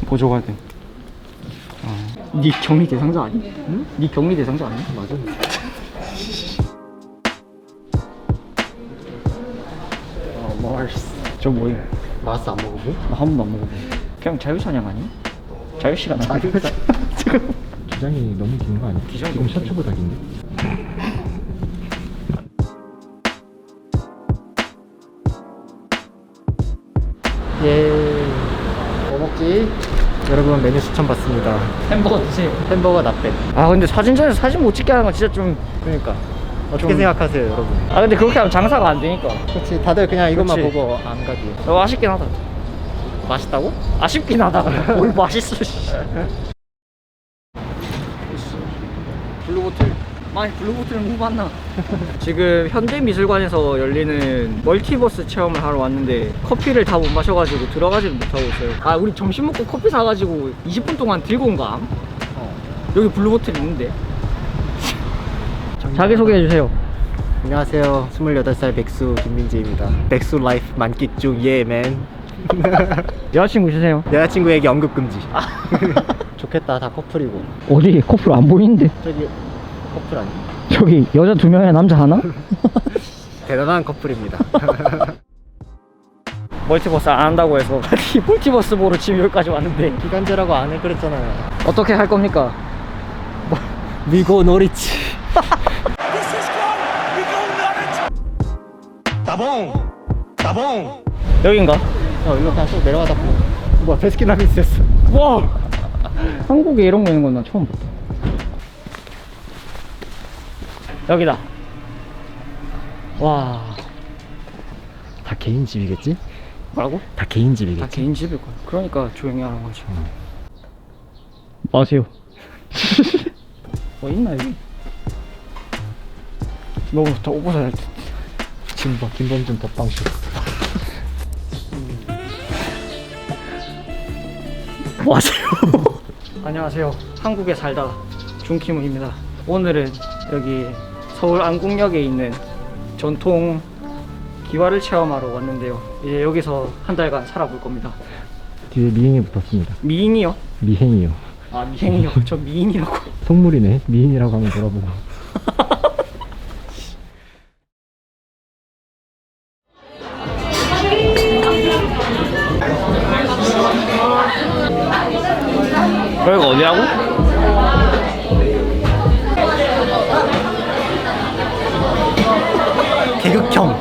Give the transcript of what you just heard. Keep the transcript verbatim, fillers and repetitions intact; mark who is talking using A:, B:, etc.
A: 보조가 돼. 어. 네 격리 대상자 아니? 응? 네 격리 대상자 아니?
B: 맞아.
A: 어, 마스. 저 뭐예요?
B: 마스 안 먹어보?
A: 나 한 번도 안 먹어보. 그냥 자유사냥 아니? 자유시간 아니?
B: 자유사. 기장이 너무 긴 거 아니야?
A: 기장이
B: 지금
A: 너무
B: 셔츠보다 긴데? 예. 뭐 먹지? 여러분 메뉴 추천 받습니다.
A: 햄버거 드세요.
B: 햄버거 나빼.
A: 아 근데 사진전에서 사진 못 찍게 하는 건 진짜 좀.
B: 그러니까 어떻게
A: 좀-
B: 생각하세요, 여러분?
A: 아 근데 그렇게 하면 장사가 안 되니까.
B: 그렇지. 다들 그냥 이것만
A: 그치.
B: 보고 안 가지.
A: 어, 아쉽긴 하다.
B: 맛있다고?
A: 아쉽긴 하다. 뭘 맛있어. 씨. 블루보틀. 많이 블루보틀은 못 봤나? 지금 현대미술관에서 열리는 멀티버스 체험을 하러 왔는데 커피를 다 못 마셔가지고 들어가지를 못하고 있어요. 아 우리 점심 먹고 커피 사가지고 이십 분 동안 들고 온 거암?
B: 어.
A: 여기 블루보틀 있는데. 자기소개해주세요.
B: 안녕하세요. 스물여덟 살 백수 김민재입니다. 백수 라이프 만끽 중 예맨.
A: 여자친구 있으세요?
B: 여자친구에게 언급 금지. 좋겠다. 다 커플이고.
A: 어디? 커플 안 보이는데?
B: 저기 커플 아니?
A: 저기 여자 두 명에 남자 하나?
B: 대단한 커플입니다.
A: 멀티버스 안 한다고 해서 이 멀티버스 보러 지금 여기까지 왔는데
B: 기간제라고 안 해 그랬잖아요.
A: 어떻게 할 겁니까?
B: 미고 노리치. 따봉! 따봉!
A: 여긴가?
B: 어, 일로 그냥 쭉 내려가다 보면 뭐야 베스킨라빈스였어.
A: 와! 한국에 이런 거 있는 건 나 처음 봤다. 여기다. 와.
B: 다 개인 집이겠지?
A: 뭐라고?
B: 다 개인 집이겠지?
A: 다 개인 집일 거야. 그러니까 조용히 하는 거지. 마세요. 뭐 있나 여기? 너무 좋다. 옷 벗어야 할 듯.
B: 진범, 김범준 덮방쇼.
A: 뭐 하세요? 안녕하세요. 한국에 살다 준키문입니다. 오늘은 여기 서울 안국역에 있는 전통 기와를 체험하러 왔는데요. 이제 여기서 한 달간 살아볼 겁니다.
B: 뒤에 미행이 붙었습니다.
A: 미인이요?
B: 미행이요.
A: 아 미행이요? 저 미인이라고.
B: 속물이네. 미인이라고 하면 물어보고.
A: 여기가 어디라고?
B: 개극형.